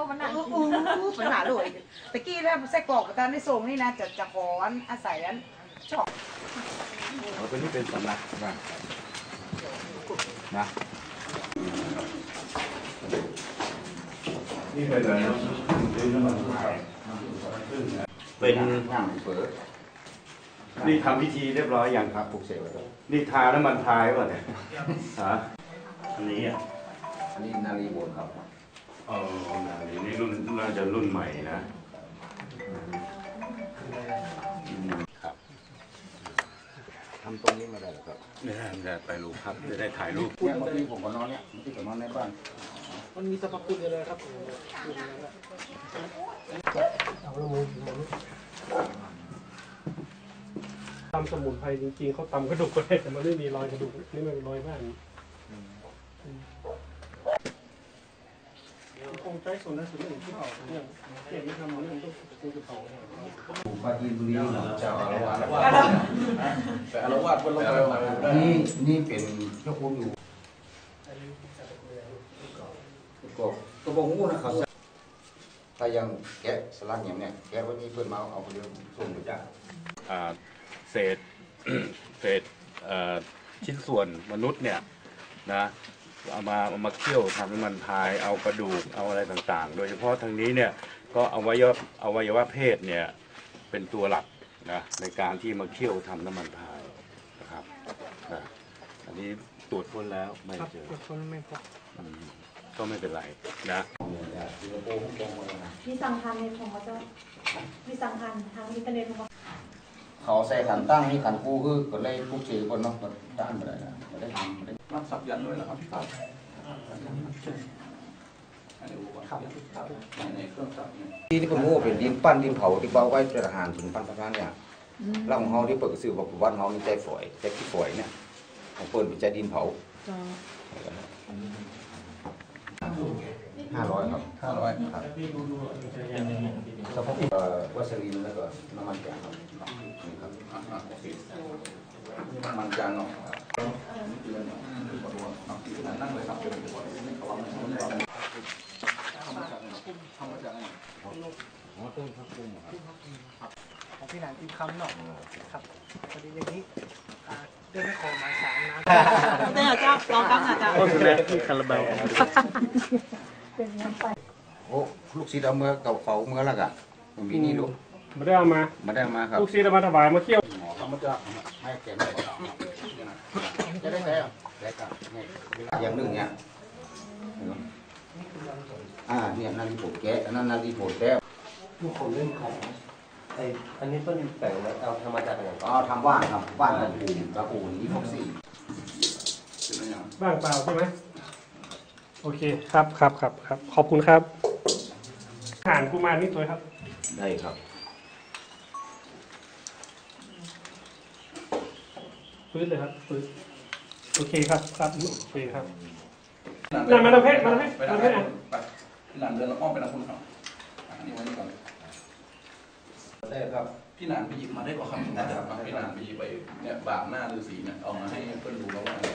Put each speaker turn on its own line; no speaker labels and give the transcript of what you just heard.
มันหนัก
ปัญหาเลยตะกี้แล้วไส้กรอกกับตาในทรงนี่นะจะขออาศัยอันชอบ
ตัวนี้เป็นสำนักบ้างนะนี่เป็นอะไรเป็นน้ำมันพายเป็นน้ำเปิดนี่ทำพิธีเรียบร้อยอย่างครับปลุกเสกนี่ทาน้ำมันพายป่ะเนี่ยฮะอันนี้นาลีโบนครับนาลีนี่รุ่นน่าจะรุ่นใหม่นะครับทำตรงนี้มาได้หรอครับได้ไปรูปครับจะได้ถ่ายรูปเนี่ยเมื่อกี้ผมก็นอนเนี่ยเมื่อกี้ผมนอนในบ้าน
มันมีสรรพคุณอะไรครับตำสมุนไพรจริงๆเขาตำกระดูกก็ได้แต่มันไม่มีรอยกระดูกนี่มันเป็นรอยบ้านคงใช้ส่วนนั้นส่วนหนึ่งที่เผาเนี่ยเก็บไม่ทำเรื่องต้องกูจะเผา
ปาจีนบุรีเจ้าอารวาส
แต่อารวาสบนโลก
นี่เป็นเจ้าคุณอยู่ก็บอกงูนะครับถ้ายังแกะสลักอย่างเนี้ยแกะวันนี้เพื่อนมาเอาไปเรียกส่งไปจ้าเศษชิ้นส่วนมนุษย์เนี่ยนะเอามาเคี่ยวทำน้ำมันพายเอากระดูกเอาอะไรต่างๆโดยเฉพาะทางนี้เนี่ยก็อวัยวะเพศเนี่ยเป็นตัวหลักนะในการที่มาเคี่ยวทำน้ำมันพายนะครับอันนี้ตรวจค้นแล้วไม่เจอ
ไม่พบ
ก็ไม่เป็นไรนะ
มีสังคันในของเขาจะมีสังคันทางอินเทอร์เน็ตของ
เขาใส่ขันตั้งนี่ขันกู้คือก็เลยปุ๊บเฉยคนเนาะก็ด้านไปเลยนะไม่ได้ทำ
รับสับยันด้วยเหรอครับในเครื่องสับ
ที่ผมว่าเป็นดินปั้นดินเผาที่เบาไว้เป็นอาหารถึงปั้นประมาณเนี่ยเราของเขาที่เปิดกระสือบอกว่าเขามีใจฝอยใจขี้ฝอยเนี่ยของเปิดเป็นใจดินเผา500ครับ
500
ครับวัสลีนแล้วก็น้ำมันจางครับนี่ครับ
น้ำมันจางเนาะนั่งเลยครับ
ของพี่หนานกินคำเนาะครับพอดีอย่างนี้เดินไม่ขอหมายสารนะ
เจ้าเจ้าลองตั้งอาจารย์
ก็คือแม่ที่คาราบาล
เป็นยังไป
โอ้ลูกศิษย์เอาเมื่อเก่าเขาเมื่อละกันมีนี่ลูก
ไม่ได้เอามา
ครับ
ลูกศิษย์เอามาถวายมาเที่ยว
ทำมาจะให้แกได้จะได้แล้วได้ครับอย่างหนึ่งเนี่ยเนี่ยนาฬิโบแกะนั่นนาฬิโบแก้ว
ทุกคนเล่นของอันนี้เพิ่นแต่งแล้วเอาทำมาจากอะไร
ทำว่านครับว่านกระปูนี่พวกสี่
บ้างเปล่าใช่ไหมโอเคครับขอบคุณครับอาหารกุมารนี่ตัวครับ
ได้ครับ
ฟื้นเลยครับฟื้นโอเคครับโอเคครับมาทำเพชรอ่ะ
พี่หนานเดินอ้อมไปทางคุณเขาอันนี้ไว้นี่ก่อน
ได้ครับ
พี่หนานไปหยิบมาได้กว่าคำนะครับพี่หนานไปหยิบไปเนี่ยบากหน้าฤาษีเนี่ยเอามาให้เพื่อนดูแล้วว่า